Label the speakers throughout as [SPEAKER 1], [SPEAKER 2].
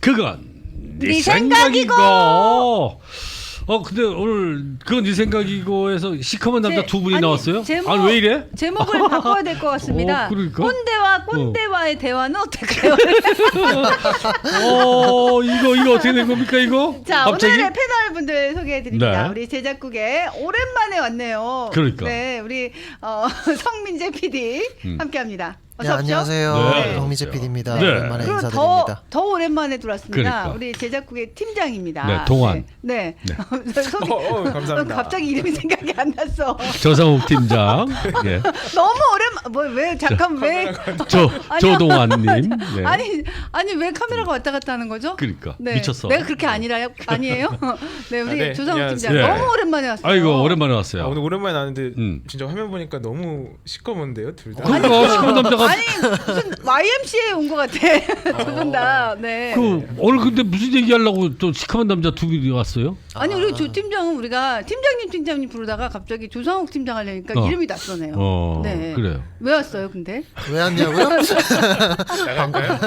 [SPEAKER 1] 그건 네
[SPEAKER 2] 네
[SPEAKER 1] 생각이고.
[SPEAKER 2] 생각이고.
[SPEAKER 1] 근데 오늘 그건 네 생각이고에서 시커먼 남자 두 분이
[SPEAKER 2] 아니,
[SPEAKER 1] 나왔어요?
[SPEAKER 2] 제목,
[SPEAKER 1] 아니 왜 이래?
[SPEAKER 2] 제목을 바꿔야 될 것 같습니다.
[SPEAKER 1] 그러니까?
[SPEAKER 2] 꼰대와 꼰대와의 대화는 어떨까요?
[SPEAKER 1] 이거 어떻게 된 겁니까 이거?
[SPEAKER 2] 자,
[SPEAKER 1] 갑자기?
[SPEAKER 2] 오늘의 패널 분들 소개해 드립니다.
[SPEAKER 1] 네.
[SPEAKER 2] 우리 제작국에 오랜만에 왔네요.
[SPEAKER 1] 그러니까.
[SPEAKER 2] 네, 우리 성민재 PD 함께 합니다.
[SPEAKER 3] 네,
[SPEAKER 2] 어서 오십시오.
[SPEAKER 3] 안녕하세요.
[SPEAKER 1] 네.
[SPEAKER 3] 정미재 PD입니다.
[SPEAKER 1] 네.
[SPEAKER 3] 오랜만에
[SPEAKER 2] 그리고
[SPEAKER 3] 인사드립니다.
[SPEAKER 2] 더 오랜만에 들어왔습니다.
[SPEAKER 1] 그러니까.
[SPEAKER 2] 우리 제작국의 팀장입니다.
[SPEAKER 1] 네, 동안.
[SPEAKER 2] 네.
[SPEAKER 1] 네.
[SPEAKER 4] 감사합니다.
[SPEAKER 2] 갑자기 이름이 생각이 안 났어.
[SPEAKER 1] 조상욱 팀장, 예.
[SPEAKER 2] 너무 왜 잠깐 왜
[SPEAKER 1] 조동환님, 네.
[SPEAKER 2] 아니 왜 카메라가 왔다 갔다 하는 거죠?
[SPEAKER 1] 그러니까
[SPEAKER 2] 네.
[SPEAKER 1] 미쳤어.
[SPEAKER 2] 내가 그렇게 아니에요? 네, 우리
[SPEAKER 4] 네,
[SPEAKER 2] 조상욱
[SPEAKER 4] 안녕하세요.
[SPEAKER 2] 팀장
[SPEAKER 1] 네.
[SPEAKER 2] 너무 오랜만에 왔어요.
[SPEAKER 1] 아이고 오랜만에 왔어요.
[SPEAKER 4] 오늘 오랜만에 나왔는데
[SPEAKER 1] 진짜
[SPEAKER 4] 화면 보니까 너무 시꺼먼데요, 둘 다.
[SPEAKER 1] 그러니까 시커먼 남자가
[SPEAKER 2] 아니 무슨 YMCA 온 것 같아. 두 분 다. 네.
[SPEAKER 1] 오늘 근데 무슨 얘기하려고 또 시커먼 남자 두 분이 왔어요?
[SPEAKER 2] 아니 우리 조 팀장은 우리가 팀장님 부르다가 갑자기 조상욱 팀장 하려니까 이름이 낯서네요. 네.
[SPEAKER 1] 그래요.
[SPEAKER 2] 왜 왔어요, 근데?
[SPEAKER 3] 왜 왔냐고요?
[SPEAKER 4] 나갈까요?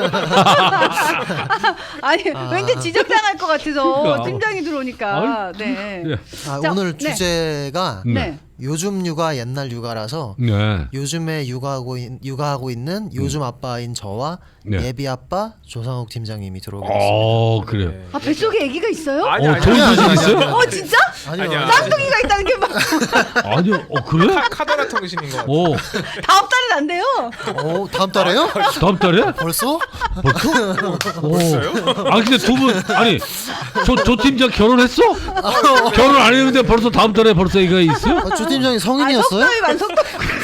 [SPEAKER 2] 아니 왠지 지적당할 것 같아서
[SPEAKER 1] 그러니까.
[SPEAKER 2] 팀장이 들어오니까. 네.
[SPEAKER 1] 네.
[SPEAKER 2] 자,
[SPEAKER 3] 오늘
[SPEAKER 2] 네.
[SPEAKER 3] 주제가
[SPEAKER 2] 네.
[SPEAKER 3] 요즘 육아 옛날 육아라서
[SPEAKER 1] 네.
[SPEAKER 3] 요즘에 육아하고 있는 요즘 아빠인 저와
[SPEAKER 1] 네.
[SPEAKER 3] 예비 아빠 조상욱 팀장님이 들어오게 됐습니다.
[SPEAKER 1] 그래요.
[SPEAKER 2] 아 뱃속에 아기가 있어요?
[SPEAKER 4] 아니,
[SPEAKER 1] 좋은 소식 있어요?
[SPEAKER 2] 진짜?
[SPEAKER 3] 아니요.
[SPEAKER 2] 쌍둥이가 있다는 게 막
[SPEAKER 1] 아니요. 그래?
[SPEAKER 4] 카더라 통신인 것 같아요.
[SPEAKER 2] 다음 달은 안 돼요.
[SPEAKER 3] 다음 달에요?
[SPEAKER 1] 다음 달에?
[SPEAKER 3] 벌써?
[SPEAKER 4] 벌써요?
[SPEAKER 1] 근데 두 분 아니 조 팀장 결혼했어? 결혼 안 했는데 벌써 다음 달에 벌써 이거 있어요?
[SPEAKER 3] 조 팀장이 성인이었어요?
[SPEAKER 2] 속도위만.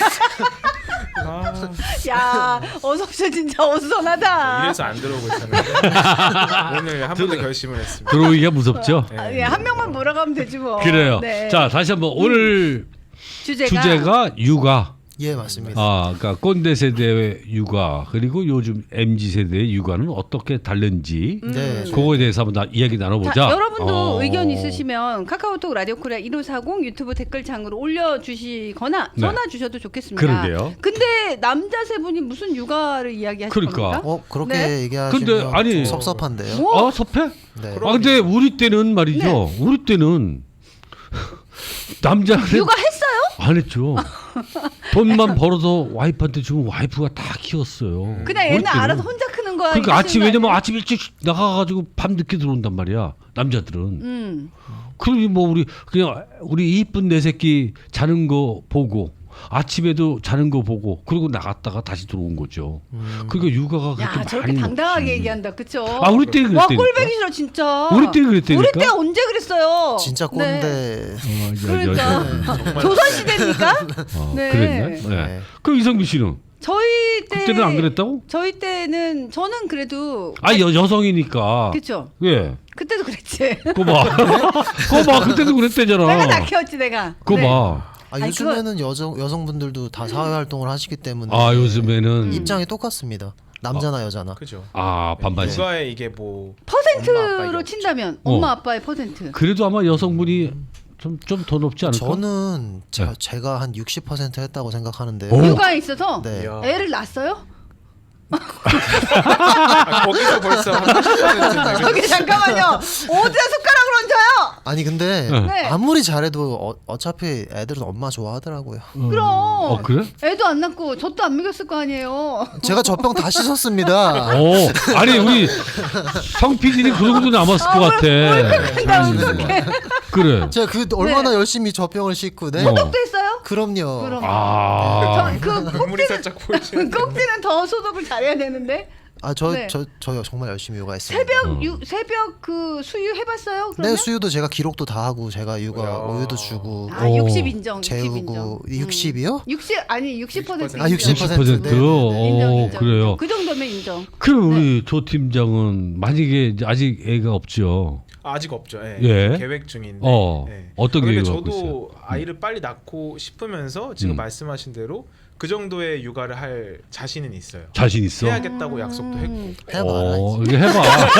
[SPEAKER 2] 야, 어서 오셔 진짜 어수선하다.
[SPEAKER 4] 이래서 안 들어오고 있었는데 오늘 한 번 더 결심을 했습니다.
[SPEAKER 1] 들어오기가 무섭죠?
[SPEAKER 2] 예, 한 명만 몰아가면 되지 뭐.
[SPEAKER 1] 그래요.
[SPEAKER 2] 네.
[SPEAKER 1] 자 다시 한번 오늘 주제가 육아.
[SPEAKER 3] 예, 맞습니다.
[SPEAKER 1] 그러니까 꼰대 세대의 육아 그리고 요즘 MZ 세대의 육아는 어떻게 다른지
[SPEAKER 3] 네.
[SPEAKER 1] 그거에 대해서 한번 이야기 나눠보자.
[SPEAKER 2] 자, 여러분도 의견 있으시면 카카오톡 라디오 코리아 1540 유튜브 댓글창으로 올려주시거나
[SPEAKER 1] 네.
[SPEAKER 2] 전화 주셔도 좋겠습니다.
[SPEAKER 1] 그러게요.
[SPEAKER 2] 근데 남자 세 분이 무슨 육아를 이야기하실
[SPEAKER 1] 그러니까.
[SPEAKER 2] 겁니까?
[SPEAKER 3] 그렇게
[SPEAKER 2] 네.
[SPEAKER 3] 얘기하시면
[SPEAKER 1] 근데 아니-
[SPEAKER 3] 좀 섭섭한데요.
[SPEAKER 2] 뭐?
[SPEAKER 1] 섭해?
[SPEAKER 3] 네.
[SPEAKER 1] 근데 우리 때는 말이죠.
[SPEAKER 2] 네.
[SPEAKER 1] 우리 때는 남자는
[SPEAKER 2] 육아했어요?
[SPEAKER 1] 안 했죠. 돈만 벌어서 와이프한테 주면 와이프가 다 키웠어요.
[SPEAKER 2] 그냥
[SPEAKER 1] 우리
[SPEAKER 2] 얘는
[SPEAKER 1] 때는.
[SPEAKER 2] 알아서 혼자 크는 거야.
[SPEAKER 1] 그러니까
[SPEAKER 2] 이러시는
[SPEAKER 1] 아침
[SPEAKER 2] 거
[SPEAKER 1] 왜냐면
[SPEAKER 2] 아니에요?
[SPEAKER 1] 아침 일찍 나가가지고 밤 늦게 들어온단 말이야. 남자들은. 그러니 뭐 우리 이쁜 내 새끼 자는 거 보고 아침에도 자는 거 보고 그리고 나갔다가 다시 들어온 거죠. 그러니까 육아가 그렇게
[SPEAKER 2] 야, 저렇게
[SPEAKER 1] 많이
[SPEAKER 2] 당당하게
[SPEAKER 1] 없지.
[SPEAKER 2] 얘기한다. 그쵸?
[SPEAKER 1] 우리 때
[SPEAKER 2] 와,
[SPEAKER 1] 그랬다니까.
[SPEAKER 2] 꼴배기 싫어 진짜.
[SPEAKER 1] 우리 때 그랬다니까.
[SPEAKER 2] 우리 때 언제 그랬어요?
[SPEAKER 3] 진짜
[SPEAKER 2] 네.
[SPEAKER 3] 꼰대.
[SPEAKER 2] 그러니까 조선시대입니까? 네.
[SPEAKER 1] 그랬나? 네.
[SPEAKER 3] 네.
[SPEAKER 1] 그럼 이성규 씨는
[SPEAKER 2] 저희 때
[SPEAKER 1] 그때는 안 그랬다고?
[SPEAKER 2] 저희 때는 저는 그래도
[SPEAKER 1] 여성이니까.
[SPEAKER 2] 그쵸.
[SPEAKER 1] 예.
[SPEAKER 2] 그때도 그랬지.
[SPEAKER 1] 그거 봐. 그때도 그랬대잖아.
[SPEAKER 2] 내가 다 키웠지 내가.
[SPEAKER 1] 그거
[SPEAKER 2] 네.
[SPEAKER 1] 봐.
[SPEAKER 2] 아니,
[SPEAKER 3] 요즘에는 여성분들도 다 사회활동을 하시기 때문에
[SPEAKER 1] 요즘에는
[SPEAKER 3] 입장이 똑같습니다. 남자나 여자나.
[SPEAKER 4] 그죠.
[SPEAKER 1] 반반씩.
[SPEAKER 4] 육아에 이게 뭐 엄마, 아빠
[SPEAKER 2] 퍼센트로
[SPEAKER 4] 이게
[SPEAKER 2] 친다면
[SPEAKER 1] 어.
[SPEAKER 2] 엄마 아빠의 퍼센트.
[SPEAKER 1] 그래도 아마 여성분이 좀 더 높지 않을까?
[SPEAKER 3] 저는
[SPEAKER 1] 네.
[SPEAKER 3] 제가 한 60% 했다고 생각하는데.
[SPEAKER 1] 오.
[SPEAKER 2] 육아에 있어서
[SPEAKER 3] 네.
[SPEAKER 4] 이야.
[SPEAKER 2] 애를 낳았어요?
[SPEAKER 4] 거기서 벌써 한 80%인데
[SPEAKER 2] 저기 잠깐만요. 어디다 숟가락을 얹어요?
[SPEAKER 3] 아니 근데
[SPEAKER 2] 네.
[SPEAKER 3] 아무리 잘해도 어차피 애들은 엄마 좋아하더라고요.
[SPEAKER 2] 그럼.
[SPEAKER 1] 그래?
[SPEAKER 2] 애도 안 낳고 젖도 안 먹였을 거 아니에요.
[SPEAKER 3] 제가 젖병 다 씻었습니다.
[SPEAKER 1] 아니 우리 성 PD는 그러고도 남았을 것 같아.
[SPEAKER 2] 나 어떡해.
[SPEAKER 1] 그래.
[SPEAKER 3] 제가 얼마나 열심히 젖병을 씻고 네.
[SPEAKER 2] 소독도 했어요?
[SPEAKER 3] 그럼요.
[SPEAKER 2] 그럼.
[SPEAKER 1] 아.
[SPEAKER 4] 눈물이 살짝 보이시는.
[SPEAKER 2] 꼭지는 더 소독을 잘해야 되는데.
[SPEAKER 3] 저
[SPEAKER 2] 네.
[SPEAKER 3] 정말 열심히 육아했습니다.
[SPEAKER 2] 새벽 그 수유 해봤어요? 그러면?
[SPEAKER 3] 네, 수유도 제가 기록도 다 하고 제가 육아
[SPEAKER 4] 야.
[SPEAKER 3] 우유도 주고
[SPEAKER 2] 60 인정. 60 인정.
[SPEAKER 3] 재우고 60이요?
[SPEAKER 2] 60 아니 60%
[SPEAKER 3] 아, 60%.
[SPEAKER 1] 60%.
[SPEAKER 3] 네, 네, 네.
[SPEAKER 2] 인정.
[SPEAKER 1] 그래요.
[SPEAKER 2] 그 정도면 인정.
[SPEAKER 1] 그럼 우리 조 팀장은 만약에 이제 아직 애가 없죠.
[SPEAKER 4] 아직 없죠. 예.
[SPEAKER 1] 예.
[SPEAKER 4] 계획 중인데.
[SPEAKER 1] 어떤
[SPEAKER 4] 그런데
[SPEAKER 1] 계획을 갖고
[SPEAKER 4] 저도
[SPEAKER 1] 있어요?
[SPEAKER 4] 아이를 빨리 낳고 싶으면서 지금
[SPEAKER 1] 음.
[SPEAKER 4] 말씀하신 대로 그 정도의 육아를 할 자신은 있어요.
[SPEAKER 1] 자신 있어?
[SPEAKER 4] 해야겠다고 약속도 했고.
[SPEAKER 3] 해봐라.
[SPEAKER 1] 이게 해봐.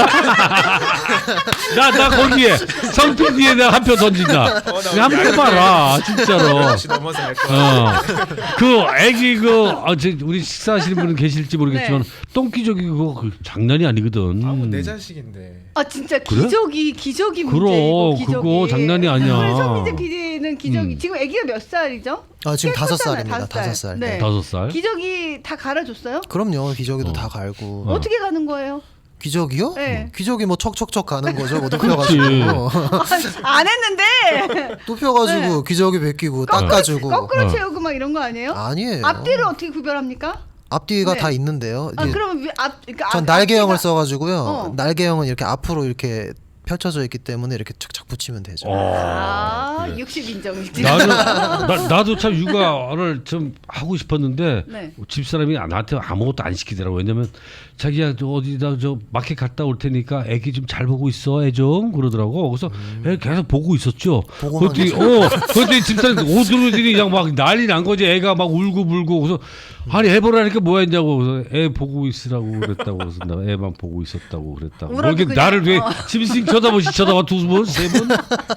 [SPEAKER 1] 나 거기에 성PD에 내가 한 표 던진다.
[SPEAKER 4] 나
[SPEAKER 1] 한번 해봐라, 진짜로.
[SPEAKER 4] 혹시 넘어서 할 거야.
[SPEAKER 1] 그 애기 우리 식사하시는 분은 계실지 모르겠지만 똥기저귀 그거 장난이 아니거든.
[SPEAKER 4] 내 자식인데.
[SPEAKER 2] 아 진짜
[SPEAKER 1] 그래?
[SPEAKER 2] 기저귀 문제
[SPEAKER 1] 그럼,
[SPEAKER 2] 이거 기저귀.
[SPEAKER 1] 그거 장난이 아니야.
[SPEAKER 2] 우리 성민재 PD는 기저귀 지금 아기가 몇 살이죠?
[SPEAKER 3] 지금
[SPEAKER 2] 꽤
[SPEAKER 3] 5살입니다.
[SPEAKER 2] 컸잖아요,
[SPEAKER 3] 5살.
[SPEAKER 2] 네.
[SPEAKER 1] 5살?
[SPEAKER 2] 기저귀 다 갈아줬어요?
[SPEAKER 3] 그럼요. 기저귀도 다 갈고.
[SPEAKER 2] 어떻게 가는 거예요?
[SPEAKER 3] 기저귀요?
[SPEAKER 2] 네.
[SPEAKER 3] 기저귀 뭐 척척척 가는 거죠. 뭐
[SPEAKER 1] 그렇지.
[SPEAKER 3] 눕혀가지고
[SPEAKER 2] 안 했는데
[SPEAKER 3] 눕혀가지고 기저귀 벗기고 닦아주고.
[SPEAKER 2] 거꾸로 채우고 막 이런 거 아니에요?
[SPEAKER 3] 아니에요.
[SPEAKER 2] 앞뒤를 어떻게 구별합니까?
[SPEAKER 3] 앞뒤가
[SPEAKER 2] 네.
[SPEAKER 3] 다 있는데요.
[SPEAKER 2] 아
[SPEAKER 3] 이제
[SPEAKER 2] 그러면 그러니까
[SPEAKER 3] 전 날개형을
[SPEAKER 2] 앞뒤가-
[SPEAKER 3] 써가지고요. 날개형은 이렇게 앞으로 이렇게 펼쳐져 있기 때문에 이렇게 착착 붙이면 되죠.
[SPEAKER 2] 아
[SPEAKER 1] 그래.
[SPEAKER 2] 60 인정이지.
[SPEAKER 1] 나도 참 육아를 좀 하고 싶었는데
[SPEAKER 2] 네.
[SPEAKER 1] 집사람이 나한테 아무것도 안 시키더라고. 왜냐면 자기야 저 어디다 저 마켓 갔다 올 테니까 애기 좀 잘 보고 있어 애 좀 그러더라고. 그래서 애 계속 보고 있었죠.
[SPEAKER 3] 보고만
[SPEAKER 1] 그랬더니 집사람 오들오들이 그냥 막 난리 난 거지. 애가 막 울고 불고. 그래서 아니 애 보라니까 뭐 했냐고. 그래서 애 보고 있으라고 그랬다고. 그래서 나 애만 보고 있었다고 그랬다고.
[SPEAKER 2] 울어도
[SPEAKER 1] 이렇게
[SPEAKER 2] 그냥,
[SPEAKER 1] 나를 왜 짐승 쳐다봐 두 번, 세 번?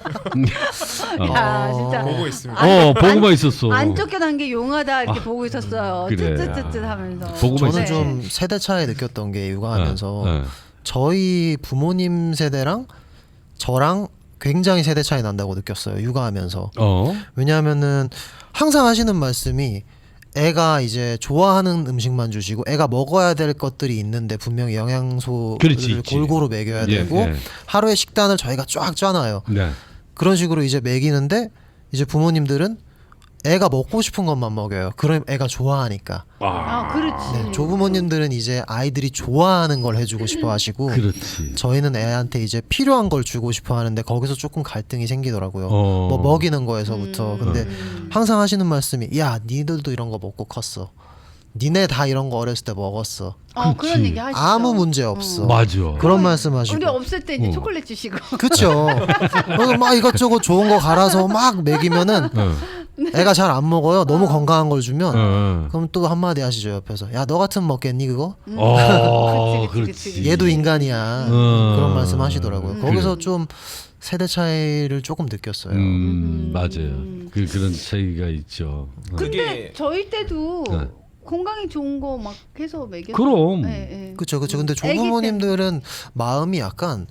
[SPEAKER 2] 야 진짜
[SPEAKER 4] 보고 있습니다.
[SPEAKER 1] 보고만 있었어.
[SPEAKER 2] 안 쫓겨난 게 용하다 이렇게 보고 있었어요.
[SPEAKER 1] 그래.
[SPEAKER 2] 쯧쯧쯧쯧 하면서.
[SPEAKER 1] 보고만
[SPEAKER 3] 저는
[SPEAKER 2] 네.
[SPEAKER 3] 좀 세대 차이 느꼈던 게 육아하면서
[SPEAKER 1] 네.
[SPEAKER 3] 저희 부모님 세대랑 저랑 굉장히 세대 차이 난다고 느꼈어요. 육아하면서. 왜냐하면는 항상 하시는 말씀이 애가 이제 좋아하는 음식만 주시고 애가 먹어야 될 것들이 있는데 분명히 영양소를
[SPEAKER 1] 그렇지,
[SPEAKER 3] 골고루 먹여야 되고 하루의 식단을 저희가 쫙 짜놔요.
[SPEAKER 1] 네.
[SPEAKER 3] 그런 식으로 이제 먹이는데 이제 부모님들은 애가 먹고 싶은 것만 먹여요. 그럼 애가 좋아하니까.
[SPEAKER 2] 아 그렇지.
[SPEAKER 3] 네, 조부모님들은 이제 아이들이 좋아하는 걸 해주고 싶어 하시고
[SPEAKER 1] 그렇지.
[SPEAKER 3] 저희는 애한테 이제 필요한 걸 주고 싶어 하는데 거기서 조금 갈등이 생기더라고요. 뭐 먹이는 거에서부터. 근데 항상 하시는 말씀이 야 니들도 이런 거 먹고 컸어. 니네 다 이런 거 어렸을 때 먹었어.
[SPEAKER 2] 그런 얘기 하시죠.
[SPEAKER 3] 아무 문제 없어.
[SPEAKER 1] 맞아.
[SPEAKER 3] 그런 말씀하시고.
[SPEAKER 2] 우리 없을 때 이제 초콜릿 주시고.
[SPEAKER 3] 그쵸. 그래서 막 이것저것 좋은 거 갈아서 막 먹이면은 애가 잘 안 먹어요. 너무 건강한 걸 주면 그럼 또 한마디 하시죠 옆에서. 야 너 같으면 먹겠니 그거?
[SPEAKER 2] 그치.
[SPEAKER 3] 얘도 인간이야. 그런 말씀 하시더라고요. 거기서 좀 세대 차이를 조금 느꼈어요.
[SPEAKER 1] 맞아요. 그런 차이가 있죠.
[SPEAKER 2] 근데
[SPEAKER 4] 그게-
[SPEAKER 2] 저희 때도
[SPEAKER 1] 네.
[SPEAKER 2] 건강에 좋은 거 막 해서 먹였어요.
[SPEAKER 1] 그럼.
[SPEAKER 2] 네.
[SPEAKER 3] 그쵸. 근데 조부모님들은 마음이 약간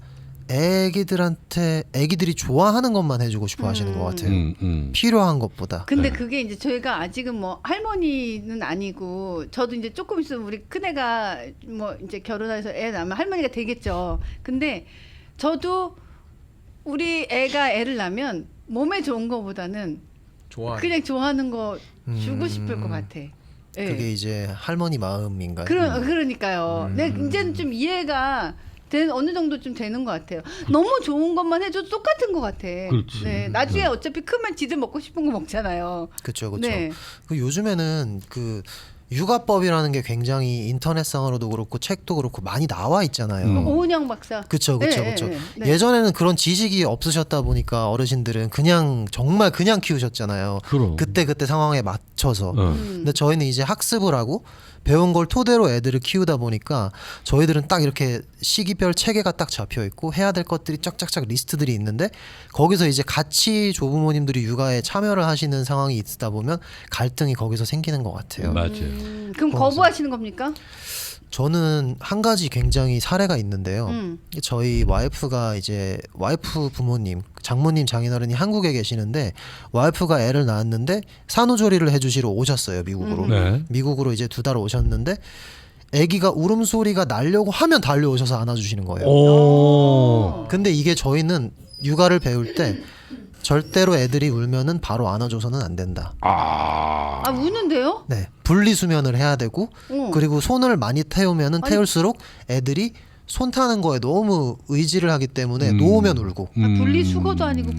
[SPEAKER 3] 애기들이 좋아하는 것만 해주고 싶어 하시는 것 같아요. 필요한 것보다.
[SPEAKER 2] 근데 그게 이제 저희가 아직은 뭐 할머니는 아니고 저도 이제 조금 있으면 우리 큰애가 뭐 이제 결혼해서 애 낳으면 할머니가 되겠죠. 근데 저도 우리 애가 애를 낳으면 몸에 좋은 거보다는 그냥 좋아하는 거 주고 싶을 것 같아. 예.
[SPEAKER 3] 그게 이제 할머니 마음인가요?
[SPEAKER 2] 그러니까요. 내가 이제는 좀 이해가 어느 정도 좀 되는 것 같아요. 너무 좋은 것만 해줘도 똑같은 것 같아.
[SPEAKER 1] 그렇지.
[SPEAKER 2] 네, 나중에 어차피 크면 지들 먹고 싶은 거 먹잖아요.
[SPEAKER 3] 그렇죠.
[SPEAKER 2] 네.
[SPEAKER 3] 그 요즘에는 그 육아법이라는 게 굉장히 인터넷상으로도 그렇고 책도 그렇고 많이 나와 있잖아요.
[SPEAKER 2] 오은영 박사.
[SPEAKER 3] 그렇죠.
[SPEAKER 2] 네, 네.
[SPEAKER 3] 예전에는 그런 지식이 없으셨다 보니까 어르신들은 정말 그냥 키우셨잖아요.
[SPEAKER 1] 그럼.
[SPEAKER 3] 그때 상황에 맞춰서. 근데 저희는 이제 학습을 하고 배운 걸 토대로 애들을 키우다 보니까 저희들은 딱 이렇게 시기별 체계가 딱 잡혀 있고 해야 될 것들이 쫙쫙쫙 리스트들이 있는데 거기서 이제 같이 조부모님들이 육아에 참여를 하시는 상황이 있다 보면 갈등이 거기서 생기는 것 같아요.
[SPEAKER 1] 맞아요.
[SPEAKER 2] 그럼 거부하시는 겁니까?
[SPEAKER 3] 저는 한 가지 굉장히 사례가 있는데요. 저희 와이프가 이제 와이프 부모님, 장모님, 장인어른이 한국에 계시는데 와이프가 애를 낳았는데 산후조리를 해주시러 오셨어요, 미국으로.
[SPEAKER 1] 네.
[SPEAKER 3] 미국으로 이제 2달 오셨는데 아기가 울음소리가 나려고 하면 달려오셔서 안아주시는 거예요. 근데 이게 저희는 육아를 배울 때 절대로 애들이 울면은 바로 안아줘서는 안 된다.
[SPEAKER 2] 아 우는데요?
[SPEAKER 3] 네, 분리수면을 해야 되고 그리고 손을 많이 태우면은 태울수록 애들이 손 타는 거에 너무 의지를 하기 때문에 놓으면 울고.
[SPEAKER 2] 분리수거도 아니고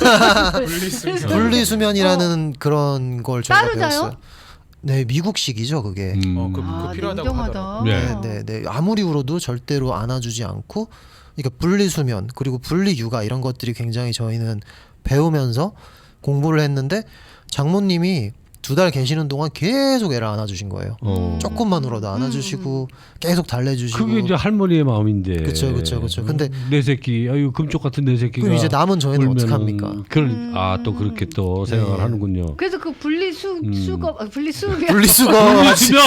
[SPEAKER 3] 분리수면이라는 그런 걸 저희가
[SPEAKER 2] 따로 자요?
[SPEAKER 3] 배웠어요. 네, 미국식이죠 그게.
[SPEAKER 4] 그거 필요하다고 하더라고요.
[SPEAKER 3] 네. 아무리 울어도 절대로 안아주지 않고, 그러니까 분리수면 그리고 분리육아 이런 것들이 굉장히 저희는 배우면서 공부를 했는데 장모님이 2달 계시는 동안 계속 애를 안아주신 거예요. 조금만 울어도 안아주시고 계속 달래주시고.
[SPEAKER 1] 그게 이제 할머니의 마음인데.
[SPEAKER 3] 그렇죠. 근데
[SPEAKER 1] 내 새끼, 아유 금쪽 같은 내 새끼가.
[SPEAKER 3] 그럼 이제 남은 저희는 어떡합니까?
[SPEAKER 1] 또 그렇게 또 생각을
[SPEAKER 3] 네.
[SPEAKER 1] 하는군요.
[SPEAKER 2] 그래서 그 분리수거면
[SPEAKER 3] 분리수거
[SPEAKER 1] 주면.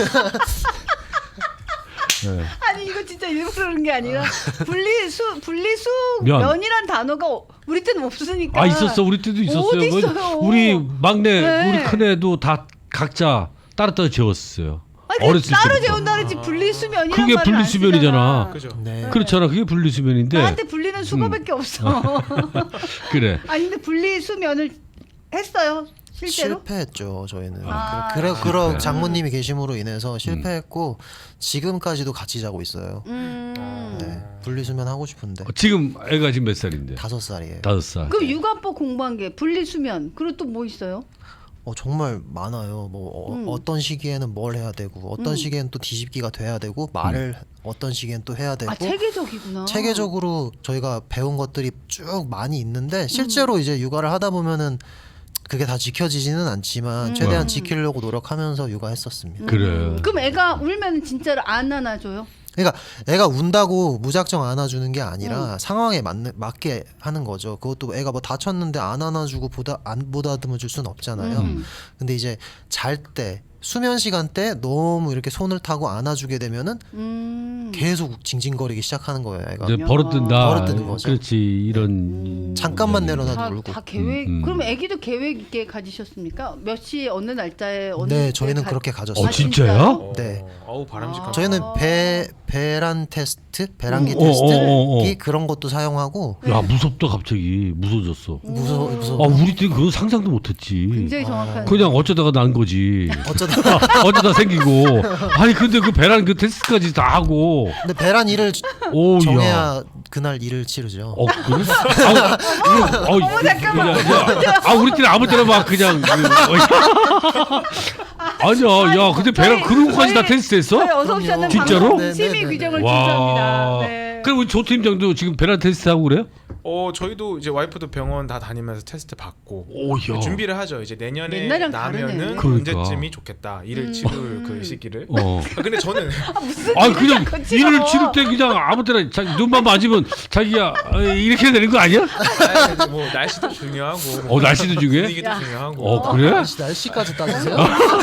[SPEAKER 1] 네.
[SPEAKER 2] 아니 이거 진짜 일부러 그런 게 아니라
[SPEAKER 1] 면.
[SPEAKER 2] 분리수면이란 단어가 우리 때는 없으니까.
[SPEAKER 1] 아 있었어, 우리 때도 있었어요.
[SPEAKER 2] 어디 있어요?
[SPEAKER 1] 우리 막내,
[SPEAKER 2] 네.
[SPEAKER 1] 우리 큰애도 다 각자 따로따로 재웠어요.
[SPEAKER 2] 아니,
[SPEAKER 1] 어렸을
[SPEAKER 2] 따로
[SPEAKER 1] 때부터.
[SPEAKER 2] 재운다 그랬지 분리수면이란
[SPEAKER 1] 그게
[SPEAKER 2] 말을 안
[SPEAKER 1] 분리수면이잖아.
[SPEAKER 2] 쓰잖아.
[SPEAKER 4] 그죠.
[SPEAKER 3] 네.
[SPEAKER 1] 그렇잖아, 그게 분리수면인데.
[SPEAKER 2] 나한테 분리는 수거밖에 없어.
[SPEAKER 1] 그래.
[SPEAKER 2] 아니 근데 분리수면을 했어요 실제로?
[SPEAKER 3] 실패했죠 저희는.
[SPEAKER 2] 아.
[SPEAKER 3] 그런 장모님이 계심으로 인해서 실패했고 지금까지도 같이 자고 있어요. 네. 분리수면 하고 싶은데
[SPEAKER 1] 지금 애가 지금 몇 살인데?
[SPEAKER 3] 5살이에요.
[SPEAKER 1] 5살.
[SPEAKER 2] 그럼 육아법 공부한 게 분리수면 그리고 또 뭐 있어요?
[SPEAKER 3] 정말 많아요. 어떤 시기에는 뭘 해야 되고 어떤 시기에는 또 뒤집기가 돼야 되고 말을 어떤 시기엔 또 해야 되고
[SPEAKER 2] 아 체계적이구나.
[SPEAKER 3] 체계적으로 저희가 배운 것들이 쭉 많이 있는데 실제로 이제 육아를 하다 보면은 그게 다 지켜지지는 않지만 최대한 지키려고 노력하면서 육아했었습니다.
[SPEAKER 1] 그래.
[SPEAKER 2] 그럼 애가 울면 진짜로 안 안아줘요?
[SPEAKER 3] 그러니까 애가 운다고 무작정 안아주는 게 아니라 상황에 맞게 하는 거죠. 그것도 애가 뭐 다쳤는데 안 안아주고 안 보다듬어 줄 수는 없잖아요. 근데 이제 잘 때 수면 시간 때 너무 이렇게 손을 타고 안아주게 되면은 계속 징징거리기 시작하는 거예요. 애가
[SPEAKER 1] 이제 버릇든다.
[SPEAKER 3] 버릇드는 거죠.
[SPEAKER 1] 그렇지, 이런.
[SPEAKER 3] 잠깐만 내려놔도 울고.
[SPEAKER 2] 다 계획. 그럼 아기도 계획 있게 가지셨습니까? 몇 시 어느 날짜에 어느
[SPEAKER 3] 네,
[SPEAKER 2] 때
[SPEAKER 3] 저희는 그렇게 가졌어요.
[SPEAKER 1] 어, 진짜요?
[SPEAKER 3] 네.
[SPEAKER 4] 어우 바람직한.
[SPEAKER 3] 저희는 배란 테스트, 배란기
[SPEAKER 1] 어,
[SPEAKER 3] 테스트 그런 것도 사용하고
[SPEAKER 1] 야, 무섭다, 갑자기. 무서워졌어.
[SPEAKER 3] 무서워.
[SPEAKER 1] 아, 우리 때 그건 상상도 못했지.
[SPEAKER 2] 굉장히 정확한.
[SPEAKER 1] 그냥 어쩌다가 난 거지.
[SPEAKER 3] 어쩌다
[SPEAKER 1] 생기고. 아니, 근데 그 배란 그 테스트까지 다 하고.
[SPEAKER 3] 근데 배란 일을
[SPEAKER 1] 오, 야.
[SPEAKER 3] 정해야 그날 일을 치르죠.
[SPEAKER 1] 그래? 우리 때는 아무 때나 막 그냥. 아니야, 야, 근데 배란 그런 것까지 다 테스트했어?
[SPEAKER 2] 저희 어서 오셨는
[SPEAKER 1] 진짜로?
[SPEAKER 2] 방송 심의 규정을
[SPEAKER 1] 와.
[SPEAKER 2] 준수합니다. 네.
[SPEAKER 1] 그럼 우리 조 팀장도 지금 배란 테스트 하고 그래요?
[SPEAKER 4] 저희도 이제 와이프도 병원 다 다니면서 테스트 받고
[SPEAKER 1] 오야.
[SPEAKER 4] 준비를 하죠. 이제 내년에
[SPEAKER 2] 옛날이랑
[SPEAKER 4] 나면은
[SPEAKER 2] 다르네.
[SPEAKER 1] 그러니까.
[SPEAKER 4] 언제쯤이 좋겠다. 일을 치를 그 시기를. 근데 저는
[SPEAKER 1] 그냥 일을 치를 때 그냥 아무 때나 눈만 맞으면 자기야 이렇게 해야 되는 거 아니야?
[SPEAKER 4] 뭐 날씨도 중요하고.
[SPEAKER 1] 날씨도 중요해?
[SPEAKER 4] 분위기도 중요하고.
[SPEAKER 1] 그래?
[SPEAKER 3] 날씨까지 따지세요?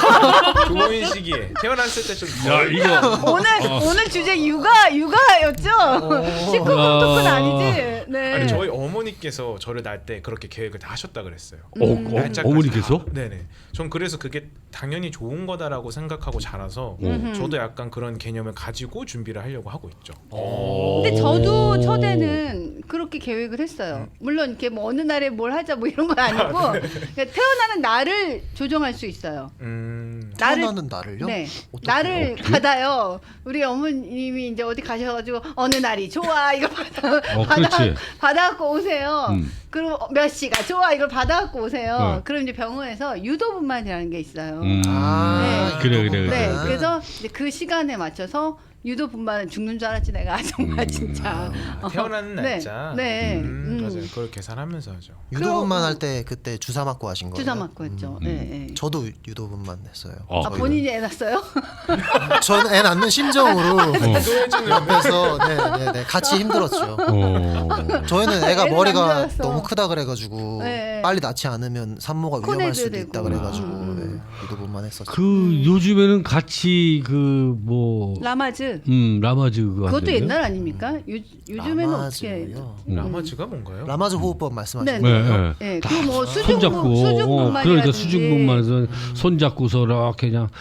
[SPEAKER 4] 좋은 시기에 태어났을 때 좀.
[SPEAKER 1] 야 이거
[SPEAKER 2] 오늘 주제 육아였죠? 19금 토크는 아니지. 네.
[SPEAKER 4] 아니 저희 어머니께서 저를 낳을 때 그렇게 계획을 다 하셨다 그랬어요. 날짜까지
[SPEAKER 1] 어머니께서?
[SPEAKER 4] 다. 네네. 전 그래서 그게 당연히 좋은 거다라고 생각하고 자라서 저도 약간 그런 개념을 가지고 준비를 하려고 하고 있죠.
[SPEAKER 2] 근데 저도 첫에는 그렇게 계획을 했어요. 물론 이렇게 뭐 어느 날에 뭘 하자 뭐 이런 건 아니고 그러니까 태어나는 날을 조정할 수 있어요.
[SPEAKER 3] 태어나는 날을요?
[SPEAKER 2] 네,
[SPEAKER 3] 어떻게?
[SPEAKER 2] 날을 받아요. 우리 어머님이 이제 어디 가셔가지고 어느 날이 좋아 이거
[SPEAKER 1] 그렇지.
[SPEAKER 2] 받아갖고 오세요. 그리고 몇 시가 좋아 이걸 받아갖고 오세요. 그럼 이제 병원에서 유도분만이라는 게 있어요.
[SPEAKER 1] 네. 그래.
[SPEAKER 2] 네, 그래서 이제 그 시간에 맞춰서 유도분만은 죽는 줄 알았지 내가 정말 진짜.
[SPEAKER 4] 태어나는
[SPEAKER 2] 네,
[SPEAKER 4] 날짜.
[SPEAKER 2] 네.
[SPEAKER 4] 맞아요. 그걸 계산하면서 하죠.
[SPEAKER 3] 유도분만 할 때 그때 주사 맞고 하신 거예요?
[SPEAKER 2] 주사 맞고 했죠. 네.
[SPEAKER 3] 저도 유도분만 했어요.
[SPEAKER 2] 본인이 애 낳았어요?
[SPEAKER 3] 저는 애 낳는 심정으로
[SPEAKER 4] 유도해주는
[SPEAKER 3] 옆에서 네, 같이 힘들었죠. 저희는 애가
[SPEAKER 2] 애는
[SPEAKER 3] 머리가
[SPEAKER 2] 남자였어.
[SPEAKER 3] 너무 크다 그래가지고
[SPEAKER 2] 네.
[SPEAKER 3] 빨리 낳지 않으면 산모가 위험할
[SPEAKER 2] 코내줘야
[SPEAKER 3] 수도
[SPEAKER 2] 되고.
[SPEAKER 3] 있다 그래가지고 네, 유도분만 했었죠.
[SPEAKER 1] 그 요즘에는 같이 그 뭐
[SPEAKER 2] 라마즈.
[SPEAKER 1] 라마즈 그거
[SPEAKER 2] 그것도
[SPEAKER 1] 한대요?
[SPEAKER 2] 옛날 아닙니까? 요즘에는 어떻게?
[SPEAKER 3] 라마즈요?
[SPEAKER 4] 라마즈가 뭔가요?
[SPEAKER 3] 라마즈 호흡법 말씀하시는
[SPEAKER 2] 네,
[SPEAKER 3] 거예요?
[SPEAKER 2] 네. 그리고 뭐
[SPEAKER 1] 손잡고
[SPEAKER 2] 수중분만이라든지.
[SPEAKER 1] 그러니까 수중분만에서 손잡고서 이렇게 그냥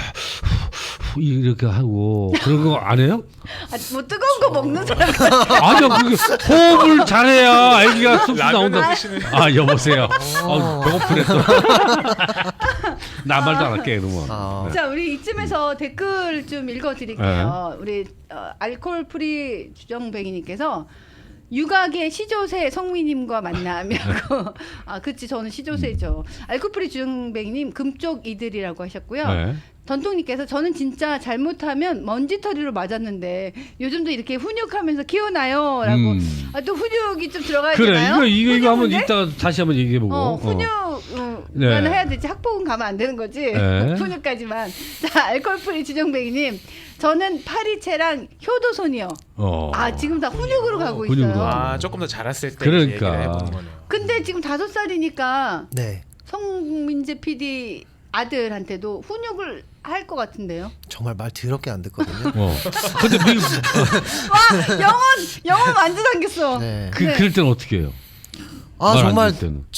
[SPEAKER 1] 이렇게 하고 그런 거 안 해요?
[SPEAKER 2] 뭐 뜨거운 거 먹는 사람.
[SPEAKER 1] 아니요, 그게 호흡을 잘해야 아기가 쑥쑥 나온다.
[SPEAKER 4] 라면을 드시는.
[SPEAKER 1] 여보세요. 배고프네 또. 나 말도 안 할게 그러면.
[SPEAKER 2] 자, 우리 이쯤에서 댓글 좀 읽어드릴게요. 우리 알코올 프리 주정뱅이님께서 육아계 시조새 성미님과 만나면고 그치 저는 시조새죠. 알코올 프리 주정뱅이님 금쪽 이들이라고 하셨고요.
[SPEAKER 1] 네.
[SPEAKER 2] 전통님께서 저는 진짜 잘못하면 먼지털이로 맞았는데 요즘도 이렇게 훈육하면서 키우나요?라고 또 훈육이 좀 들어가야
[SPEAKER 1] 그래
[SPEAKER 2] 되나요?
[SPEAKER 1] 이거 한번
[SPEAKER 2] 훈육인데?
[SPEAKER 1] 이따가 다시 한번 얘기해 보고.
[SPEAKER 2] 훈육
[SPEAKER 1] 네.
[SPEAKER 2] 해야 되지. 학폭은 가면 안 되는 거지.
[SPEAKER 1] 네.
[SPEAKER 2] 훈육까지만. 자, 알코올프리 주정뱅이님. 저는 파리채랑 효도손이요. 지금 다 훈육으로 가고
[SPEAKER 1] 훈육으로.
[SPEAKER 2] 있어요.
[SPEAKER 4] 조금 더 자랐을 때
[SPEAKER 1] 그러니까.
[SPEAKER 4] 이제 얘기를 해보는 거네요.
[SPEAKER 2] 근데 지금 5살이니까
[SPEAKER 3] 네.
[SPEAKER 2] 성민재 PD 아들한테도 훈육을 할 것 같은데요.
[SPEAKER 3] 정말 말 더럽게 안 듣거든요.
[SPEAKER 1] 근데 미국
[SPEAKER 2] 와, 영혼 완전 당겼어.
[SPEAKER 3] 네.
[SPEAKER 1] 그럴 때는 어떻게 해요?
[SPEAKER 3] 아
[SPEAKER 1] 말안
[SPEAKER 3] 정말
[SPEAKER 1] 들을 때는.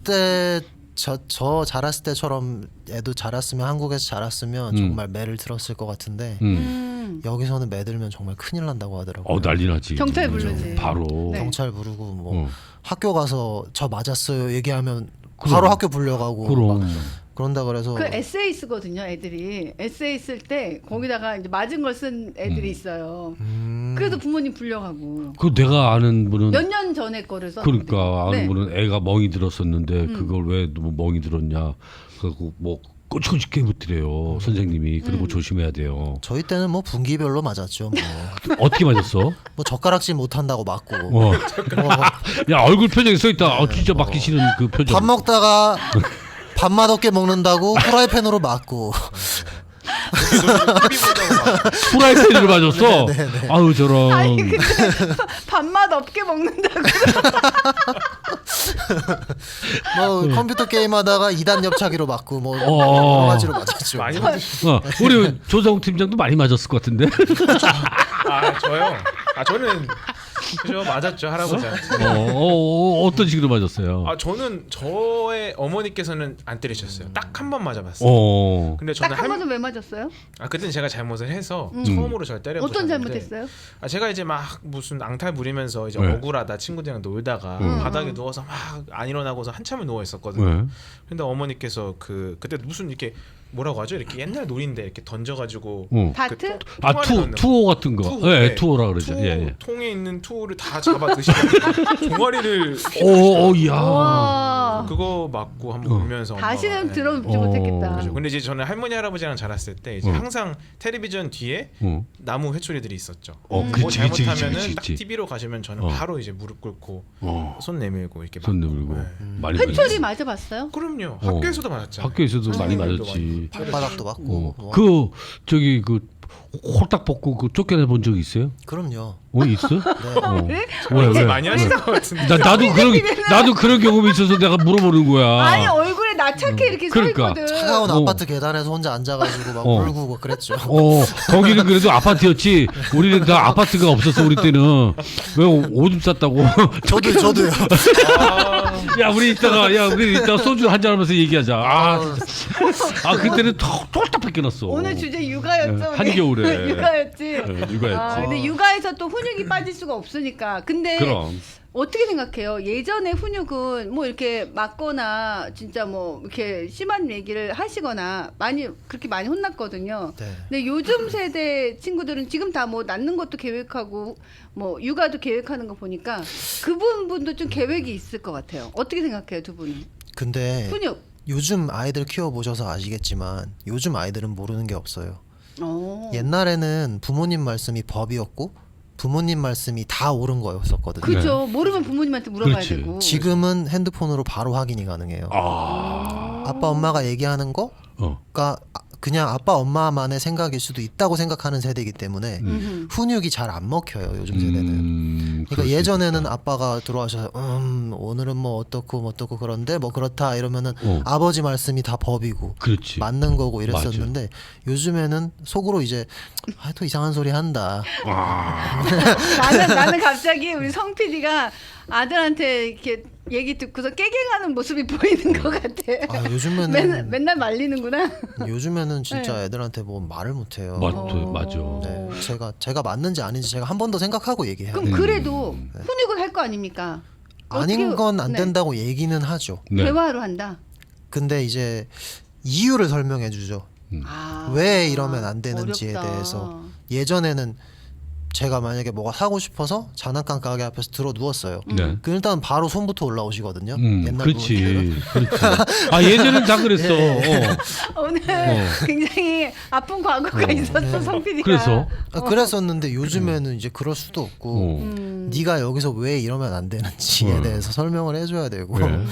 [SPEAKER 3] 저 자랐을 때처럼 애도 자랐으면 한국에서 자랐으면 정말 매를 들었을 것 같은데 여기서는 매 들면 정말 큰일 난다고 하더라고요.
[SPEAKER 1] 난리 나지.
[SPEAKER 2] 경찰 부르지.
[SPEAKER 1] 바로.
[SPEAKER 2] 네.
[SPEAKER 3] 경찰 부르고 뭐 학교 가서 저 맞았어요 얘기하면 바로
[SPEAKER 1] 그럼.
[SPEAKER 3] 학교 불려가고
[SPEAKER 1] 그럼.
[SPEAKER 3] 막 그런다 그래서
[SPEAKER 2] 그 에세이 쓰거든요, 애들이. 에세이 쓸 때 거기다가 이제 맞은 걸 쓴 애들이 있어요. 그래서 부모님 불려가고.
[SPEAKER 1] 그 내가 아는 분은
[SPEAKER 2] 몇 년 전에 거를 썼는데.
[SPEAKER 1] 그러니까 아는
[SPEAKER 2] 네.
[SPEAKER 1] 분은 애가 멍이 들었었는데 그걸 왜 너무 멍이 들었냐. 그래고 뭐 꼬치꼬치 깨부드려요 선생님이. 그리고 조심해야 돼요.
[SPEAKER 3] 저희 때는 뭐 분기별로 맞았죠. 뭐,
[SPEAKER 1] 어떻게 맞았어?
[SPEAKER 3] 뭐 젓가락질 못한다고 맞고
[SPEAKER 1] 야 얼굴 표정이 써 있다. 진짜 맞기 싫은 그 표정.
[SPEAKER 3] 밥 먹다가 밥맛 없게 먹는다고 프라이팬으로 맞고
[SPEAKER 1] 프라이팬으로 맞았어. 아유 저런.
[SPEAKER 2] 아니 근데 밥맛 없게 먹는다고.
[SPEAKER 3] 뭐 컴퓨터 게임하다가 2단 옆차기로 맞고 뭐
[SPEAKER 1] 어.
[SPEAKER 3] 여러 가지로 맞았죠.
[SPEAKER 4] 많이 맞으시죠?
[SPEAKER 1] 우리 조성 팀장도 많이 맞았을 것 같은데.
[SPEAKER 4] 저요? 저는 그죠 맞았죠 할아버지한테.
[SPEAKER 1] 어떤 식으로 맞았어요?
[SPEAKER 4] 저는 저의 어머니께서는 안 때리셨어요. 딱 한 번 맞아봤어요. 근데 저는
[SPEAKER 2] 딱 한 번은 왜 맞았어요?
[SPEAKER 4] 그때는 제가 잘못을 해서 처음으로 절 때려보셨는데
[SPEAKER 2] 어떤 잘못했어요?
[SPEAKER 4] 제가 이제 막 무슨 앙탈 부리면서 이제
[SPEAKER 1] 네.
[SPEAKER 4] 억울하다 친구들이랑 놀다가 바닥에 누워서 막 안 일어나고서 한참을 누워 있었거든요.
[SPEAKER 1] 네.
[SPEAKER 4] 근데 어머니께서 그때 무슨 이렇게 뭐라고 하죠? 이렇게 옛날 놀인데 이렇게 던져가지고
[SPEAKER 2] 다트?
[SPEAKER 1] 투어 같은 거.
[SPEAKER 4] 투어,
[SPEAKER 1] 네,
[SPEAKER 4] 네.
[SPEAKER 1] 투어라 그러죠. 예.
[SPEAKER 4] 통에 있는 투를 다 잡아 드시고 종아리를
[SPEAKER 1] 야.
[SPEAKER 2] 와.
[SPEAKER 4] 그거 맞고 한번 울면서 엄마가,
[SPEAKER 2] 다시는
[SPEAKER 4] 네.
[SPEAKER 2] 들어보지 못했겠다.
[SPEAKER 4] 그렇죠. 근데 이제 저는 할머니 할아버지랑 자랐을 때 이제 항상 텔레비전 뒤에 나무 회초리들이 있었죠. 뭐
[SPEAKER 1] 그치,
[SPEAKER 4] 잘못하면은
[SPEAKER 1] 그치.
[SPEAKER 4] 딱 TV로 가시면 저는 바로 이제 무릎 꿇고 손 내밀고 이렇게
[SPEAKER 1] 손
[SPEAKER 4] 맞고.
[SPEAKER 1] 내밀고
[SPEAKER 4] 네.
[SPEAKER 1] 많이
[SPEAKER 2] 회초리
[SPEAKER 1] 맞았지.
[SPEAKER 2] 맞아봤어요?
[SPEAKER 4] 그럼요. 학교에서도 맞았잖아요.
[SPEAKER 1] 학교에서도 많이
[SPEAKER 4] 선생님들도
[SPEAKER 1] 맞았지.
[SPEAKER 3] 발바닥도 맞고 뭐.
[SPEAKER 1] 그 저기 그 홀딱 벗고 그 쫓겨내 본 적 있어요?
[SPEAKER 3] 그럼요.
[SPEAKER 1] 있어?
[SPEAKER 2] 네?
[SPEAKER 1] 왜?
[SPEAKER 4] 많이 하시는 것 같은데.
[SPEAKER 1] 나도 그런 경험이 있어서 내가 물어보는 거야.
[SPEAKER 2] 아니 얼굴에 나차게 이렇게
[SPEAKER 1] 그러니까.
[SPEAKER 2] 서 있거든.
[SPEAKER 3] 차가운 아파트 계단에서 혼자 앉아가지고 막 울고 막 그랬죠.
[SPEAKER 1] 거기는 그래도 아파트였지. 우리는 다 아파트가 없었어 우리 때는. 왜 오줌 쌌다고?
[SPEAKER 3] 저도요.
[SPEAKER 1] 야 우리 이따가 소주 한잔 하면서 얘기하자. 그때는 톨딱 뺏겨놨어.
[SPEAKER 2] 오늘 주제 육아였죠. 우리?
[SPEAKER 1] 한겨울에.
[SPEAKER 2] 육아였지.
[SPEAKER 1] 네, 육아였지.
[SPEAKER 2] 근데 육아에서 또 훈육이 빠질 수가 없으니까. 근데
[SPEAKER 1] 그럼.
[SPEAKER 2] 어떻게 생각해요? 예전에 훈육은 뭐 이렇게 맞거나 진짜 뭐 이렇게 심한 얘기를 하시거나 그렇게 많이 혼났거든요.
[SPEAKER 3] 네.
[SPEAKER 2] 근데 요즘 세대 친구들은 지금 다 뭐 낳는 것도 계획하고 뭐 육아도 계획하는 거 보니까 그 부분도 좀 계획이 있을 것 같아요. 어떻게 생각해요, 두 분은?
[SPEAKER 3] 근데
[SPEAKER 2] 훈육.
[SPEAKER 3] 요즘 아이들 키워보셔서 아시겠지만 요즘 아이들은 모르는 게 없어요.
[SPEAKER 2] 오.
[SPEAKER 3] 옛날에는 부모님 말씀이 법이었고 부모님 말씀이 다 옳은 거였었거든요.
[SPEAKER 2] 그죠. 모르면 부모님한테 물어봐야
[SPEAKER 1] 그렇지.
[SPEAKER 2] 되고.
[SPEAKER 3] 지금은 핸드폰으로 바로 확인이 가능해요. 아빠 엄마가 얘기하는 거가 그냥 아빠 엄마만의 생각일 수도 있다고 생각하는 세대이기 때문에 훈육이 잘 안 먹혀요 요즘 세대는. 그러니까 예전에는 아빠가 들어와셔서 오늘은 뭐 어떻고 그런데 뭐 그렇다 이러면은 아버지 말씀이 다 법이고
[SPEAKER 1] 그렇지.
[SPEAKER 3] 맞는 거고 이랬었는데 요즘에는 속으로 이제 또 이상한 소리 한다.
[SPEAKER 2] 나는 갑자기 우리 성 PD가 아들한테 이렇게 얘기 듣고서 깨갱하는 모습이 보이는 것 같아.
[SPEAKER 3] 요즘에는
[SPEAKER 2] 맨날 말리는구나.
[SPEAKER 3] 요즘에는 진짜 애들한테 뭐 말을 못 해요.
[SPEAKER 1] 맞아.
[SPEAKER 3] 네, 제가 맞는지 아닌지 제가 한 번 더 생각하고 얘기해요.
[SPEAKER 2] 그럼 그래도 훈육을 할 거 아닙니까?
[SPEAKER 3] 아닌 건 안
[SPEAKER 2] 네.
[SPEAKER 3] 된다고 얘기는 하죠.
[SPEAKER 1] 네.
[SPEAKER 2] 대화로 한다.
[SPEAKER 3] 근데 이제 이유를 설명해 주죠. 왜 이러면 안 되는지에
[SPEAKER 2] 어렵다.
[SPEAKER 3] 대해서. 예전에는 제가 만약에 뭐가 사고 싶어서 장난감 가게 앞에서 들어 누웠어요.
[SPEAKER 1] 네.
[SPEAKER 3] 그 일단 바로 손부터 올라오시거든요. 옛날
[SPEAKER 1] 그렇지. 예전엔 다 그랬어.
[SPEAKER 2] 오늘 굉장히 아픈 과거가 있었어, 성 PD가.
[SPEAKER 1] 그래서
[SPEAKER 3] 그랬었는데 요즘에는 이제 그럴 수도 없고 네가 여기서 왜 이러면 안 되는지에 대해서 설명을 해줘야 되고
[SPEAKER 1] 네.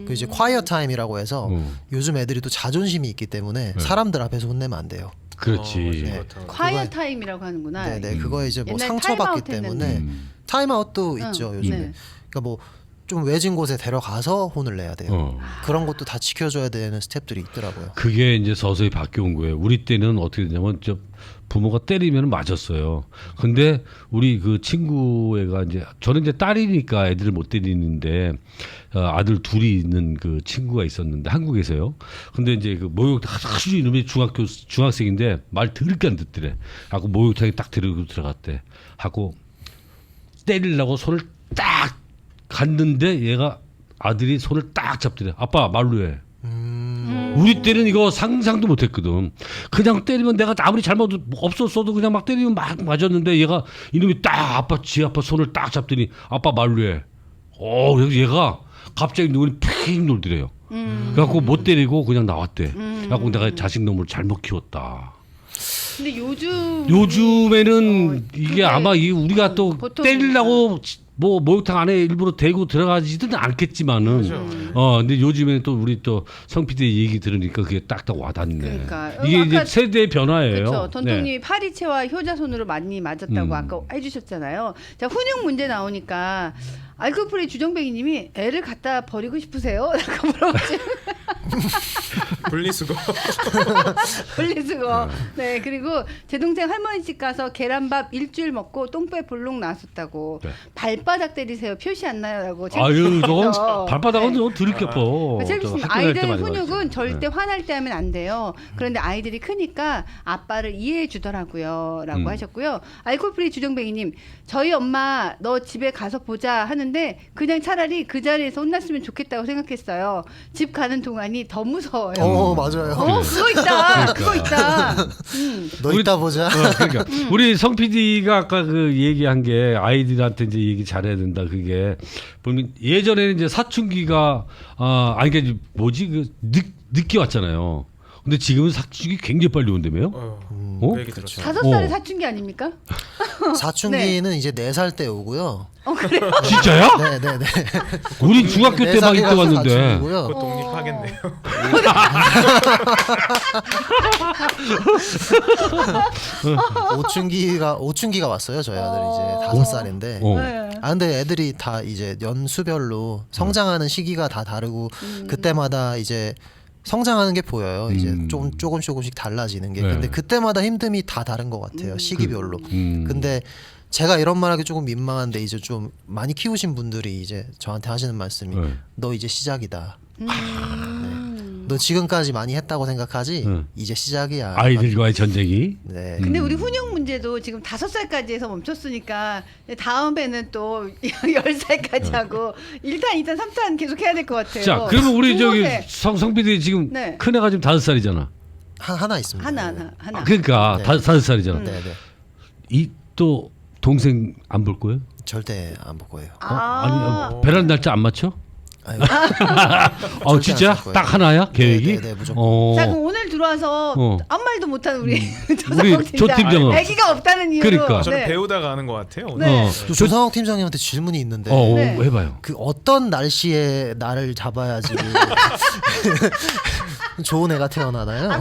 [SPEAKER 3] 그 이제 콰이어 타임이라고 해서 요즘 애들이 또 자존심이 있기 때문에 사람들 앞에서 혼내면 안 돼요.
[SPEAKER 1] 그렇지.
[SPEAKER 3] 네.
[SPEAKER 2] 콰이어
[SPEAKER 3] 그거에-
[SPEAKER 2] 타임이라고 하는구나.
[SPEAKER 3] 네네 그거에 이제 뭐
[SPEAKER 2] 옛날
[SPEAKER 3] 상처받기
[SPEAKER 2] 타임아웃
[SPEAKER 3] 때문에
[SPEAKER 2] 했는데.
[SPEAKER 3] 타임아웃도 있죠 요즘에.
[SPEAKER 2] 네.
[SPEAKER 3] 그러니까 뭐 좀 외진 곳에 데려가서 혼을 내야 돼요.
[SPEAKER 1] 어.
[SPEAKER 3] 그런 것도 다 지켜줘야 되는 스텝들이 있더라고요.
[SPEAKER 1] 그게 이제 서서히 바뀌어온 거예요. 우리 때는 어떻게 되냐면 저 부모가 때리면 맞았어요. 근데 우리 그 친구애가 이제 저는 이제 딸이니까 애들을 못 때리는데 아들 둘이 있는 그 친구가 있었는데 한국에서요. 근데 이제 그 목욕탕 아주 이놈이 중학생인데 말 더럽게 안 듣더래. 하고 목욕탕에 딱 데리고 들어갔대. 하고 때리려고 손을 딱 갔는데 얘가 아들이 손을 딱 잡더래. 아빠 말로 해. 우리 때는 이거 상상도 못했거든. 그냥 때리면 내가 아무리 잘못 없었어도 그냥 막 때리면 막 맞았는데 얘가 이놈이 딱 지 아빠 손을 딱 잡더니 아빠 말로 해. 그래서 얘가 갑자기 눈이 픽 놀더래요. 그래갖고 못 때리고 그냥 나왔대. 그래갖고 내가 자식 놈을 잘못 키웠다.
[SPEAKER 2] 근데 요즘에는
[SPEAKER 1] 이게
[SPEAKER 2] 그게
[SPEAKER 1] 아마 우리가 또
[SPEAKER 2] 보통-
[SPEAKER 1] 때리려고 뭐 목욕탕 안에 일부러 대고 들어가지는 않겠지만은 근데 요즘에는 또 우리 또 성PD 얘기 들으니까 그게 딱딱 와닿네.
[SPEAKER 2] 그러니까.
[SPEAKER 1] 이게 이제
[SPEAKER 2] 아까
[SPEAKER 1] 세대의 변화예요.
[SPEAKER 2] 그렇죠. 던통님이
[SPEAKER 1] 네.
[SPEAKER 2] 파리채와 효자손으로 많이 맞았다고 아까 해주셨잖아요. 자, 훈육 문제 나오니까 알코올프리 주정뱅이님이 애를 갖다 버리고 싶으세요? 라고 물어보시.
[SPEAKER 4] 분리수거.
[SPEAKER 2] 분리수거. 네, 그리고 제 동생 할머니 집 가서 계란밥 일주일 먹고 똥배 볼록 나왔었다고.
[SPEAKER 1] 네.
[SPEAKER 2] 발바닥 때리세요. 표시 안 나요라고.
[SPEAKER 1] 아유, 저건
[SPEAKER 2] 네.
[SPEAKER 1] 발바닥은 좀 들이켜퍼.
[SPEAKER 2] 아이들 훈육은 절대 화날 때 하면 안 돼요. 그런데 아이들이 크니까 아빠를 이해해 주더라고요. 라고 하셨고요. 알코올프리 주정뱅이님, 저희 엄마 너 집에 가서 보자 하는데 그냥 차라리 그 자리에서 혼났으면 좋겠다고 생각했어요. 집 가는 동안이 더 무서워요.
[SPEAKER 3] 맞아요.
[SPEAKER 2] 그거 있다.
[SPEAKER 1] 그러니까.
[SPEAKER 2] 그거 있다.
[SPEAKER 3] 너 이따 보자.
[SPEAKER 1] 그러니까 우리 성 PD가 아까 그 얘기한 게 아이들한테 이제 얘기 잘해야 된다. 그게 보면 예전에는 이제 사춘기가 이게 뭐지 그 늦게 왔잖아요. 근데 지금은 사춘기 굉장히 빨리 온다며요?
[SPEAKER 4] 그 얘기 들었어요.
[SPEAKER 2] 5살에 사춘기 아닙니까?
[SPEAKER 3] 사춘기는 이제 4살 때 오고요.
[SPEAKER 2] 그래요?
[SPEAKER 1] 진짜야?
[SPEAKER 3] 네네네.
[SPEAKER 1] 우린 중학교 때 막 이때 왔는데.
[SPEAKER 4] 곧 독립하겠네요.
[SPEAKER 3] 오춘기가 왔어요. 저희 아들이 이제 5살인데.
[SPEAKER 2] 네.
[SPEAKER 3] 근데 애들이 다 이제 연수별로 성장하는 시기가 다 다르고 그때마다 이제 성장하는 게 보여요. 이제 조금씩 달라지는 게.
[SPEAKER 1] 네.
[SPEAKER 3] 근데 그때마다 힘듦이 다 다른 것 같아요. 시기별로.
[SPEAKER 1] 음.
[SPEAKER 3] 근데 제가 이런 말하기 조금 민망한데 이제 좀 많이 키우신 분들이 이제 저한테 하시는 말씀이
[SPEAKER 1] 네.
[SPEAKER 3] 너 이제 시작이다. 네. 너 지금까지 많이 했다고 생각하지 이제 시작이야.
[SPEAKER 1] 아이들과의 전쟁이.
[SPEAKER 3] 네.
[SPEAKER 2] 근데 우리 훈육 문제도 지금 5살까지 해서 멈췄으니까 다음에는 또 10살까지 하고 1탄, 2탄, 3탄 계속 해야 될 것 같아요.
[SPEAKER 1] 자, 그러면 우리 저기
[SPEAKER 2] 중고세.
[SPEAKER 1] 성 PD 지금
[SPEAKER 2] 네.
[SPEAKER 1] 큰 애가 지금 5살이잖아.
[SPEAKER 3] 하나 있습니다.
[SPEAKER 2] 하나.
[SPEAKER 1] 그러니까
[SPEAKER 3] 네.
[SPEAKER 1] 5살이잖아.
[SPEAKER 3] 네, 네.
[SPEAKER 1] 이 또 동생 안 볼 거예요?
[SPEAKER 3] 절대 안 볼 거예요.
[SPEAKER 1] 아니 베란다 날짜 안 맞춰?
[SPEAKER 3] 아유,
[SPEAKER 1] 진짜?
[SPEAKER 3] 안쓸 거예요.
[SPEAKER 1] 딱 하나야 계획이?
[SPEAKER 3] 네, 무조건.
[SPEAKER 2] 자, 그럼 오늘 들어와서 아무 말도 못하는 우리
[SPEAKER 1] 우리 조 팀장은
[SPEAKER 2] 아기가 없다는 이유로.
[SPEAKER 1] 그러니까.
[SPEAKER 4] 저는
[SPEAKER 2] 네.
[SPEAKER 4] 배우다가 하는 것 같아요. 오늘.
[SPEAKER 2] 네.
[SPEAKER 3] 또 조상욱 팀장님한테 질문이 있는데
[SPEAKER 2] 네.
[SPEAKER 1] 해봐요.
[SPEAKER 3] 그 어떤 날씨에 나를 잡아야지 좋은 애가 태어나나요?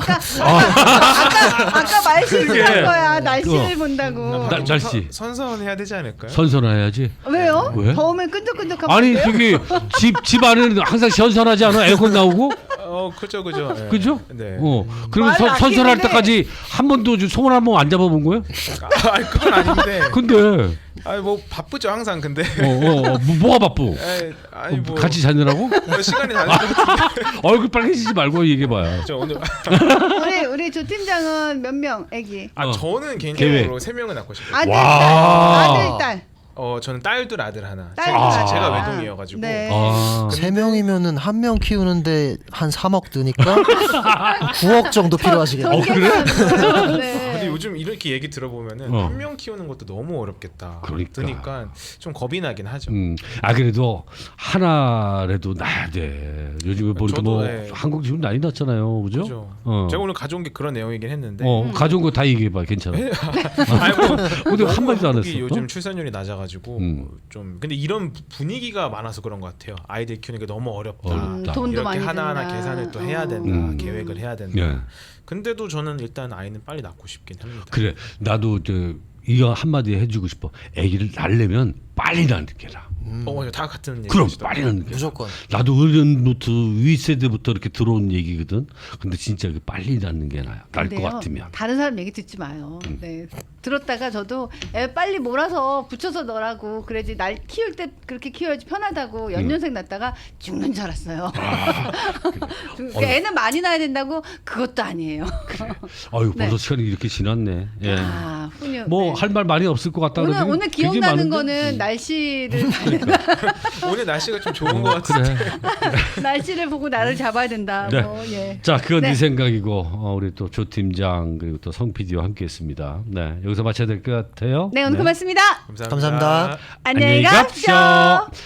[SPEAKER 2] 아까 말실수한
[SPEAKER 1] 그게.
[SPEAKER 2] 거야. 날씨를 본다고.
[SPEAKER 1] 날씨
[SPEAKER 4] 선선해야 되지 않을까요?
[SPEAKER 1] 선선해야지.
[SPEAKER 2] 왜요?
[SPEAKER 1] 왜?
[SPEAKER 2] 더우면 끈적끈적하면
[SPEAKER 1] 아니
[SPEAKER 2] 안 돼요?
[SPEAKER 1] 저기 집 안에는 항상 선선하지 않아? 에어컨 나오고?
[SPEAKER 4] 그죠. 네.
[SPEAKER 1] 그죠?
[SPEAKER 4] 네.
[SPEAKER 1] 그러면
[SPEAKER 2] 말
[SPEAKER 1] 선선할
[SPEAKER 2] 아끼는데.
[SPEAKER 1] 때까지 한 번도 손을 한 번 안 잡아본 거야?
[SPEAKER 4] 그건 아닌데.
[SPEAKER 1] 근데
[SPEAKER 4] 뭐 바쁘죠 항상 근데.
[SPEAKER 1] 뭐가 바쁘?
[SPEAKER 4] 아니 뭐
[SPEAKER 1] 같이 자느라고?
[SPEAKER 4] 뭐 시간이 다른 것 같은데.
[SPEAKER 1] 얼굴 빨개지지 말고 얘기해봐요.
[SPEAKER 4] 저 오늘
[SPEAKER 2] 우리 조 팀장은 몇 명 애기?
[SPEAKER 4] 저는 개인적으로 3명을 낳고 싶어요.
[SPEAKER 2] 아들,
[SPEAKER 1] 와.
[SPEAKER 2] 딸. 아들, 딸.
[SPEAKER 4] 저는 딸둘 아들 하나.
[SPEAKER 2] 딸,
[SPEAKER 4] 제가
[SPEAKER 2] 둘, 아들.
[SPEAKER 4] 외동이어가지고.
[SPEAKER 2] 네.
[SPEAKER 3] 3명이면은 한 명 키우는데 한 3억 드니까 9억 정도 필요하시겠네요.
[SPEAKER 1] 그래?
[SPEAKER 2] 네.
[SPEAKER 4] 아니 요즘 이렇게 얘기 들어보면은 한 명 키우는 것도 너무 어렵겠다. 그러니까 좀 겁이 나긴 하죠.
[SPEAKER 1] 그래도 하나라도 낳아야 돼. 요즘에 보니까 뭐 한국 지금 난리 났잖아요, 그죠?
[SPEAKER 4] 그죠. 제가 오늘 가져온 게 그런 내용이긴 했는데.
[SPEAKER 1] 가져온 거 다 얘기해봐, 괜찮아. 근데 한 마디도 안 했어.
[SPEAKER 4] 요즘 출산율이 낮아가지고 좀 근데 이런 분위기가 많아서 그런 것 같아요. 아이들 키우는 게 너무 어렵다.
[SPEAKER 2] 돈도
[SPEAKER 4] 이렇게
[SPEAKER 2] 많이
[SPEAKER 4] 하나하나
[SPEAKER 2] 든다.
[SPEAKER 4] 계산을 또 해야 된다. 계획을 해야 된다.
[SPEAKER 1] 예.
[SPEAKER 4] 근데도 저는 일단 아이는 빨리 낳고 싶긴 합니다.
[SPEAKER 1] 그래, 나도 이거 한마디 해주고 싶어. 아기를 낳으려면 빨리 낳는 게 나아.
[SPEAKER 4] 다 같은 얘기.
[SPEAKER 1] 그럼 빨리 낳는 게
[SPEAKER 3] 무조건.
[SPEAKER 1] 나도 어른부터 윗세대부터 이렇게 들어온 얘기거든. 근데 진짜 빨리 낳는 게 나아. 날 것
[SPEAKER 2] 근데요,
[SPEAKER 1] 같으면.
[SPEAKER 2] 다른 사람 얘기 듣지 마요. 네. 들었다가 저도 애 빨리 몰아서 붙여서 넣으라고 그래야지 날 키울 때 그렇게 키워야지 편하다고 연년생 낳다가 죽는 줄 알았어요. 그러니까 애는 많이 낳아야 된다고 그것도 아니에요.
[SPEAKER 1] 아유, 벌써
[SPEAKER 2] 네.
[SPEAKER 1] 시간이 이렇게 지났네. 예.
[SPEAKER 2] 훈육.
[SPEAKER 1] 뭐 할 말 많이 없을 것 같다. 그러더니
[SPEAKER 2] 오늘
[SPEAKER 1] 되게
[SPEAKER 2] 기억나는
[SPEAKER 1] 많은데?
[SPEAKER 2] 거는 날씨를
[SPEAKER 4] 오늘 날씨가 좀 좋은 것 같은데.
[SPEAKER 1] 그래.
[SPEAKER 2] 날씨를 보고 나를 잡아야 된다.
[SPEAKER 1] 네.
[SPEAKER 2] 뭐, 예.
[SPEAKER 1] 자, 그건
[SPEAKER 2] 네.
[SPEAKER 1] 네 생각이고 우리 또 조 팀장 그리고 또 성 PD와 함께했습니다. 네, 여기서 마쳐야 될 것 같아요.
[SPEAKER 2] 네, 오늘 고맙습니다.
[SPEAKER 3] 감사합니다.
[SPEAKER 2] 안녕히 가십시오.